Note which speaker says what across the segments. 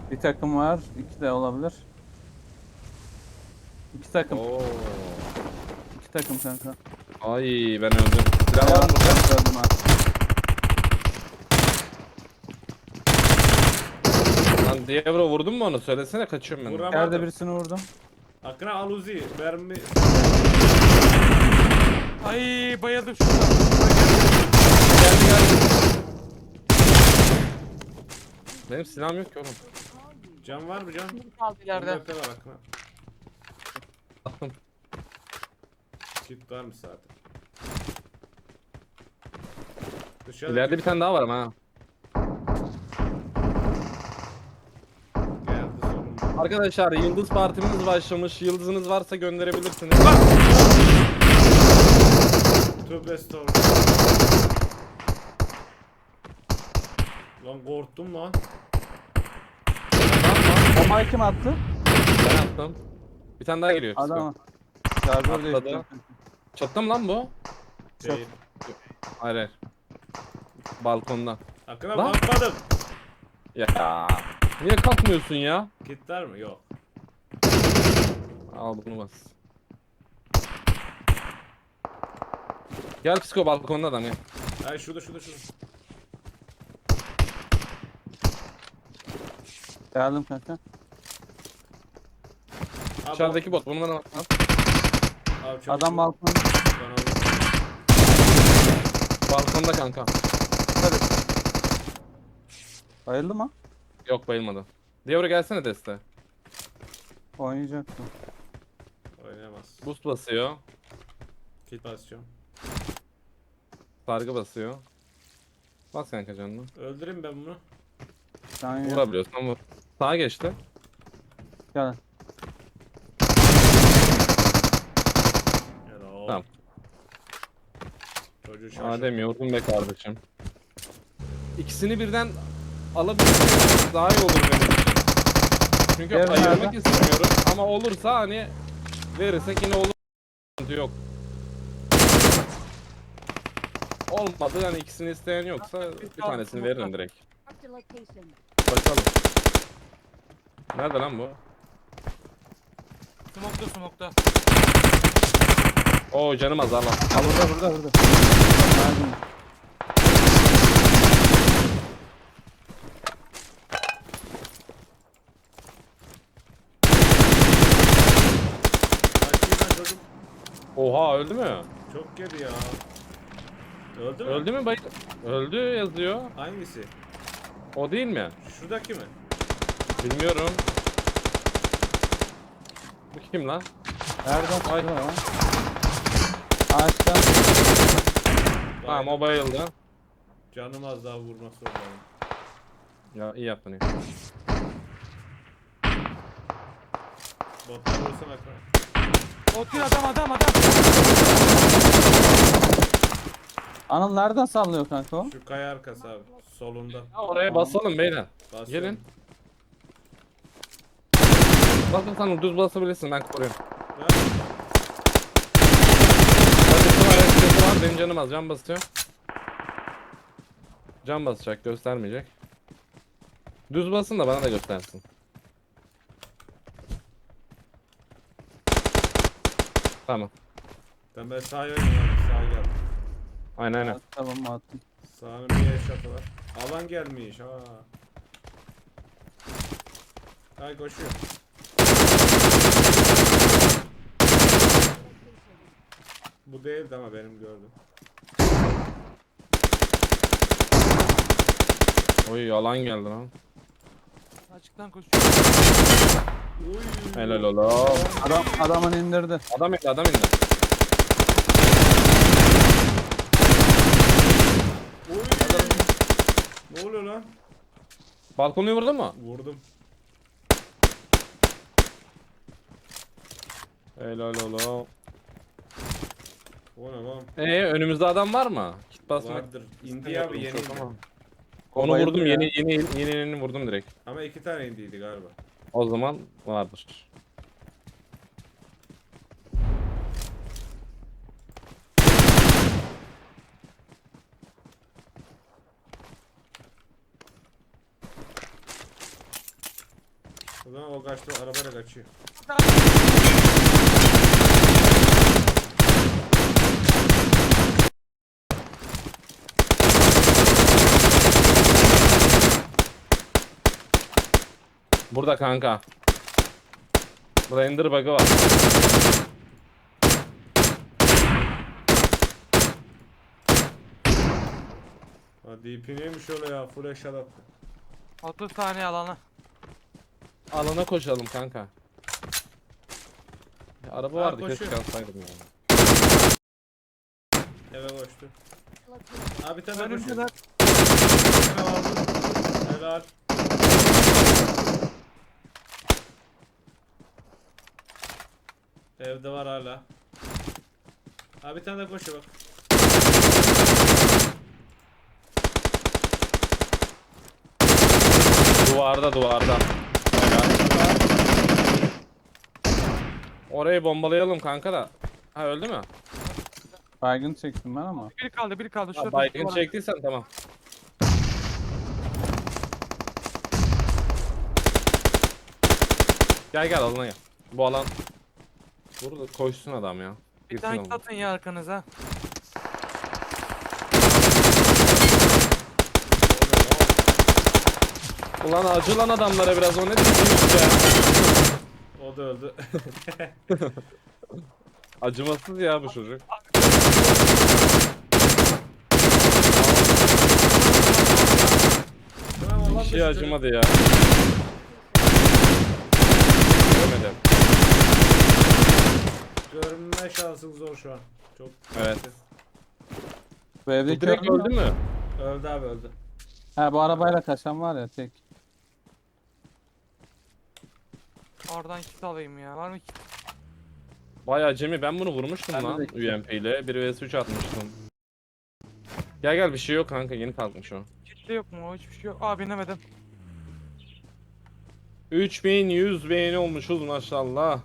Speaker 1: Bir takım var. İki de olabilir. İki takım.
Speaker 2: Oo.
Speaker 1: İki takım kanka.
Speaker 2: Ay ben öldüm. Silah var mı burada?
Speaker 1: Ben gördüm ha.
Speaker 2: Lan Diablo vurdun mu onu? Söylesene kaçıyorum ben.
Speaker 3: Vuram-
Speaker 1: Yerde birisini vurdum.
Speaker 3: Akına al Uzi. Mermi.
Speaker 4: Ay bayıldım şurada.
Speaker 2: Geldi geldi. Benim silahım yok ki oğlum.
Speaker 3: Can var mı can?
Speaker 4: Kaldı ileride.
Speaker 3: Bunda var Akına.
Speaker 2: Attım.
Speaker 3: Kit varmış zaten. Dışarı
Speaker 2: İleride bir tane daha var ama ha.
Speaker 3: geldi sorun.
Speaker 2: Arkadaşlar yıldız partimiz başlamış. Yıldızınız varsa gönderebilirsiniz.
Speaker 3: Tövbe estağfurullah. Lan korktum lan.
Speaker 1: Bombayı kim attı?
Speaker 2: Ben attım. Bir tane daha geliyor.
Speaker 1: Adama. Şarjör
Speaker 2: Atladı.
Speaker 1: değişti.
Speaker 2: Çattı mı lan bu?
Speaker 3: Değil.
Speaker 2: Hayır hayır. Balkonda.
Speaker 3: Akına
Speaker 2: Lan.
Speaker 3: bakmadım.
Speaker 2: Ya. Niye kalkmıyorsun ya?
Speaker 3: Kit var mı? Yok.
Speaker 2: Al bunu bas. Gel psiko balkonda adam ya.
Speaker 3: Ay şurada.
Speaker 1: Geldim kanka.
Speaker 3: Abi,
Speaker 2: Dışarıdaki bot bunu bana bak lan.
Speaker 3: Abi, çabuk,
Speaker 1: Adam
Speaker 3: çabuk.
Speaker 1: balkonda.
Speaker 3: Ben aldım.
Speaker 2: Balkonda kanka.
Speaker 1: Bayıldı mı?
Speaker 2: Yok bayılmadı. Diavro gelsene deste.
Speaker 1: Oynayacaktı.
Speaker 3: Oynayamaz.
Speaker 2: Boost basıyor.
Speaker 3: Kit basacağım.
Speaker 2: Sargı basıyor. Bas kanka canını.
Speaker 3: Öldüreyim ben bunu.
Speaker 1: Sen yok.
Speaker 2: Vurabiliyorsan vur. Sağa geçti.
Speaker 1: Gel.
Speaker 3: Helal.
Speaker 2: Tamam.
Speaker 3: Çocuğu şaşırttı.
Speaker 2: Adem yordun be kardeşim. İkisini birden alabilirsek daha iyi olur benim için. Çünkü
Speaker 1: Evet,
Speaker 2: ayırmak
Speaker 1: nerede?
Speaker 2: istemiyorum ama olursa hani verirsek yine olur. Sıkıntı yok. Olmadı yani ikisini isteyen yoksa bir tanesini veririm direkt.
Speaker 5: Marked a location.
Speaker 2: Bakalım. Nerede lan bu?
Speaker 4: Smokta.
Speaker 2: Oo canım az Allah.
Speaker 1: Ha burada. Geldim.
Speaker 3: Kaçayım ben çocuk.
Speaker 2: Oha öldü mü?
Speaker 3: Çok yedi ya. Öldü mü?
Speaker 2: Öldü mü bayı? Öldü yazıyor.
Speaker 3: Hangisi?
Speaker 2: O değil mi?
Speaker 3: Şuradaki mi?
Speaker 2: Bilmiyorum. Bu kim lan?
Speaker 1: Nereden
Speaker 2: Ay.
Speaker 1: çıktı lan? Ağaçtan.
Speaker 2: Tamam o bayıldı.
Speaker 3: Canım az daha vurmak zorundayım.
Speaker 2: Ya iyi yaptın iyi.
Speaker 3: Botlar vursana Akına.
Speaker 4: Otur adam.
Speaker 1: Anıl nereden sallıyor kanka o?
Speaker 3: Şu kaya arkası abi. Solunda.
Speaker 2: Ya oraya basalım beyler.
Speaker 3: Basıyorum.
Speaker 2: Gelin. Basın sen düz basabilirsin ben koruyorum.
Speaker 3: Ben
Speaker 2: Hadi var hareketi var benim canım az can basıyor. Can basacak göstermeyecek. Düz basın da bana da göstersin. Tamam.
Speaker 3: ben sağa oynayayım abi. Sağa gel.
Speaker 2: Aynen.
Speaker 1: Tamam attım.
Speaker 3: Sağının bir eşyatı var. Alan gelmiş ha. Ay koşuyor. Bu değildi ama benim gördüm.
Speaker 2: Oy yalan geldi lan.
Speaker 4: Açıktan koşuyor.
Speaker 3: Uy.
Speaker 2: Helal ola.
Speaker 1: Adamın indirdi.
Speaker 2: Adam indi adam indi.
Speaker 3: Uy. Ne oluyor lan?
Speaker 2: Balkonu vurdu mu?
Speaker 3: Vurdum.
Speaker 2: Helal ola.
Speaker 3: O ne lan?
Speaker 2: Önümüzde adam var mı? Kit basmak.
Speaker 3: Vardır. İndi abi yeni indi.
Speaker 2: Tamam.
Speaker 1: O
Speaker 2: Onu
Speaker 1: bayıldı
Speaker 2: vurdum
Speaker 1: ya.
Speaker 2: yeni vurdum direkt.
Speaker 3: Ama 2 tane indiydi galiba.
Speaker 2: O zaman vardır.
Speaker 3: O zaman o kaçtı arabayla kaçıyor.
Speaker 2: Burada kanka. Burada ender bug'ı var.
Speaker 3: Ha DP neymiş öyle ya? Full eşat attı.
Speaker 4: 30 saniye alana.
Speaker 2: Alana koşalım kanka. Ya, araba vardı
Speaker 3: koşuyor.
Speaker 2: keşke alsaydım ya.
Speaker 3: Eve koştu. Abi tane
Speaker 4: Önümde
Speaker 3: koşuyor.
Speaker 4: lan.
Speaker 3: Bir tane vardı. Helal. Evde var hala. Abi bir tane de koşuyor bak.
Speaker 2: Duvarda. Orayı bombalayalım kanka da. Ha öldü mü?
Speaker 1: Baygın çektim ben ama.
Speaker 4: Biri kaldı.
Speaker 2: Ha,
Speaker 4: Şurada
Speaker 2: baygın
Speaker 4: var.
Speaker 2: çektiysen tamam. Gel alana gel. Bu alan. Burada koşsun adam ya.
Speaker 4: Bir
Speaker 2: Girsin
Speaker 4: tane
Speaker 2: alana.
Speaker 4: atın ya arkanıza.
Speaker 2: Ulan acı lan adamlara biraz o ne diyeceğiz ya.
Speaker 3: O da öldü.
Speaker 2: Acımasız ya bu çocuk.
Speaker 3: Tamam
Speaker 2: Bir
Speaker 3: Allah
Speaker 2: şey
Speaker 3: düştü.
Speaker 2: acımadı ya. Göremedim.
Speaker 3: Görünme şansın zor şu an. Çok.
Speaker 2: Evet.
Speaker 1: Bu
Speaker 2: Bu
Speaker 1: evdeki
Speaker 2: direkt öldü mü?
Speaker 3: Öldü abi öldü.
Speaker 1: Ha bu arabayla kaçan var ya tek.
Speaker 4: Oradan kit alayım ya. Var mı kit?
Speaker 2: Bayağı Cem'i ben bunu vurmuştum
Speaker 1: Ben de
Speaker 2: lan
Speaker 1: bekliyorum.
Speaker 2: UMP ile. 1 vs 3 atmıştım. Gel bir şey yok kanka yeni kalkmış o.
Speaker 4: Kitli yok mu? Hiçbir şey yok. Aa binemedim.
Speaker 2: 3100 beğeni olmuşuz maşallah.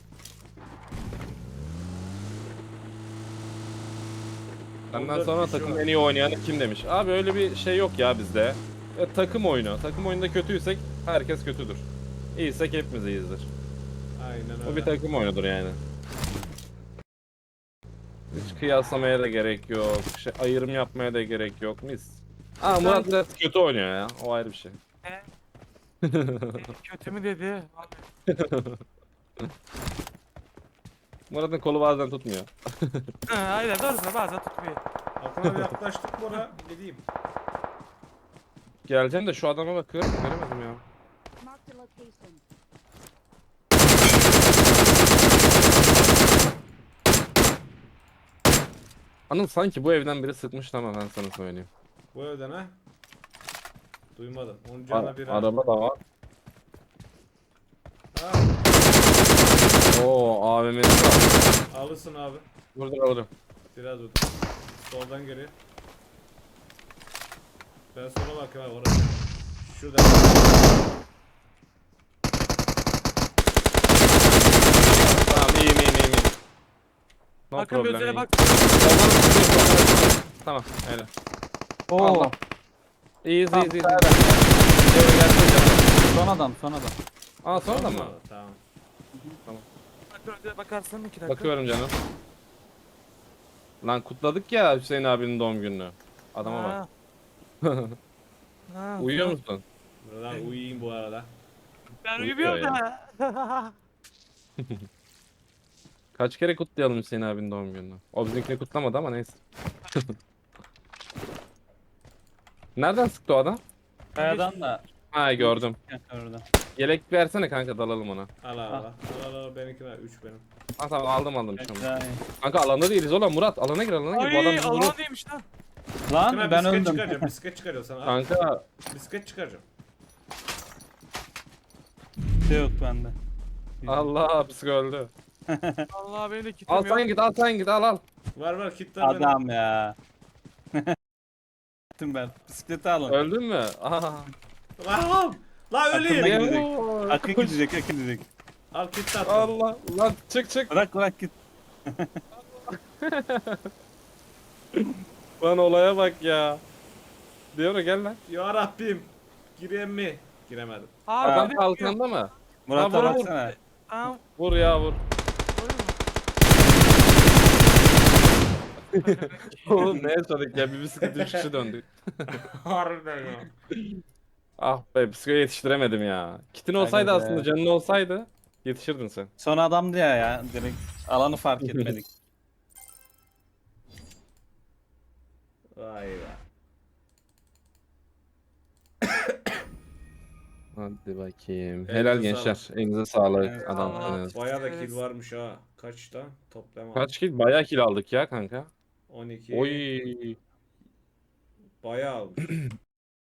Speaker 2: Benden
Speaker 3: 14
Speaker 2: sonra
Speaker 3: kişi
Speaker 2: takım
Speaker 3: var.
Speaker 2: en iyi oynayanı kim demiş. Abi öyle bir şey yok ya bizde. Takım oyunu. Takım oyununda kötüysek herkes kötüdür. İyiysek hepimiz iyiyizdir.
Speaker 3: Aynen öyle.
Speaker 2: Bu bir takım oyunudur yani. Hiç kıyaslamaya da gerek yok. Ayrım yapmaya da gerek yok. Mis. Aa Murat biraz kötü oynuyor ya. O ayrı bir şey.
Speaker 4: Kötü mü dedi?
Speaker 2: Murat'ın kolu bazen tutmuyor.
Speaker 4: Aynen doğrusu bazen tutmuyor.
Speaker 3: Aklıma bir yaklaştık Bora. Gideyim.
Speaker 2: Geleceğim de şu adama bakıyorum. Göremedim ya.
Speaker 5: Marked a location.
Speaker 2: Anıl sanki bu evden biri sıkmıştı ama ben sana söyleyeyim.
Speaker 3: Bu evden ha. Duymadım. Onun canına bir
Speaker 2: Araba da var.
Speaker 3: Ha,
Speaker 2: Oo AVM'si var.
Speaker 3: alırsın abi.
Speaker 2: Burada alırım.
Speaker 3: Biraz dur. Soldan geliyor. Ben sola bakıyorum abi orası. Şurada.
Speaker 2: Tamam iyiyim. No
Speaker 4: Bakın
Speaker 2: problem.
Speaker 4: gözüne
Speaker 2: iyiyim.
Speaker 4: bak.
Speaker 2: Tamam öyle.
Speaker 1: Oo.
Speaker 2: Allah. İyiyiz.
Speaker 1: Tamam,
Speaker 2: Gel
Speaker 1: tamam.
Speaker 2: gel.
Speaker 1: Son adam.
Speaker 2: Aa sonra da mı?
Speaker 3: Tamam.
Speaker 4: Bakın önce bakarsın 2 dakika.
Speaker 2: Bakıyorum canım. Lan kutladık ya Hüseyin abinin doğum gününü. Adama bak.
Speaker 4: Ha. Ha,
Speaker 2: Uyuyor
Speaker 4: tamam.
Speaker 2: musun?
Speaker 3: Buradan uyuyayım bu arada.
Speaker 4: Ben
Speaker 2: Uyuyor
Speaker 4: uyumuyorum
Speaker 2: ya.
Speaker 4: da.
Speaker 2: Kaç kere kutlayalım Hüseyin abinin doğum gününü? O bizimkini kutlamadı ama neyse. Nereden sıktı o adam?
Speaker 1: Kayadan da.
Speaker 2: Ha gördüm.
Speaker 1: Orada.
Speaker 2: Yelek versene kanka dalalım ona.
Speaker 3: Al benimkine 3 benim.
Speaker 2: Ha tamam aldım şu an.
Speaker 1: Güzel.
Speaker 2: Kanka alanda değiliz oğlum Murat alana gir. Bu adam
Speaker 4: Ay
Speaker 2: bizi
Speaker 4: Allah
Speaker 2: vurur.
Speaker 4: neymiş lan?
Speaker 1: Lan
Speaker 3: Ben
Speaker 1: ben
Speaker 3: bisiklet
Speaker 1: öldüm.
Speaker 3: çıkaracağım. Bisiklet çıkaracağım sana. Al.
Speaker 2: Kanka
Speaker 3: Bisiklet çıkaracağım.
Speaker 1: Şey yok bende.
Speaker 2: Allah psik öldü.
Speaker 4: Allah benim de kitim
Speaker 2: Al
Speaker 4: yok.
Speaker 2: sen git al.
Speaker 3: Var kitler benim.
Speaker 1: Adam ya. Gittim ben. Bisikleti alın.
Speaker 2: Öldün mü? Aha.
Speaker 3: Lan! Lan
Speaker 1: Aklıma
Speaker 3: öleyim.
Speaker 1: gidecek. Akın gidecek.
Speaker 3: Al kit attım.
Speaker 2: Allah lan çık.
Speaker 1: Bırak git.
Speaker 2: Lan olaya bak ya. Diyor gel lan.
Speaker 3: Ya Rabbim. Gireyim mi? Giremedim.
Speaker 4: Abi
Speaker 2: Adam
Speaker 4: bir de
Speaker 2: kalkanda mı?
Speaker 1: Murat'a
Speaker 2: vur, vur.
Speaker 1: baksana.
Speaker 4: Tamam.
Speaker 2: Vur ya vur. Oğlum ne yaşadık ya? Bir bisiklet 3 kişi döndük.
Speaker 3: Harbiden ya.
Speaker 2: Ah be psikoya yetiştiremedim ya. Kitin
Speaker 1: Aga
Speaker 2: olsaydı
Speaker 1: be.
Speaker 2: aslında canın olsaydı yetişirdin sen.
Speaker 1: Son adamdı ya direkt alanı fark etmedik.
Speaker 3: Vay be.
Speaker 2: Hadi bakayım.
Speaker 3: Elinize
Speaker 2: Helal gençler. Elinize sağlık.
Speaker 1: Evet,
Speaker 2: Adamsınız.
Speaker 3: Bayağı da
Speaker 4: Evet.
Speaker 3: kill varmış ha. Kaçta? Toplam
Speaker 2: Kaç kill? Bayağı kill aldık ya kanka.
Speaker 3: 12.
Speaker 2: Oy.
Speaker 3: Bayağı almış.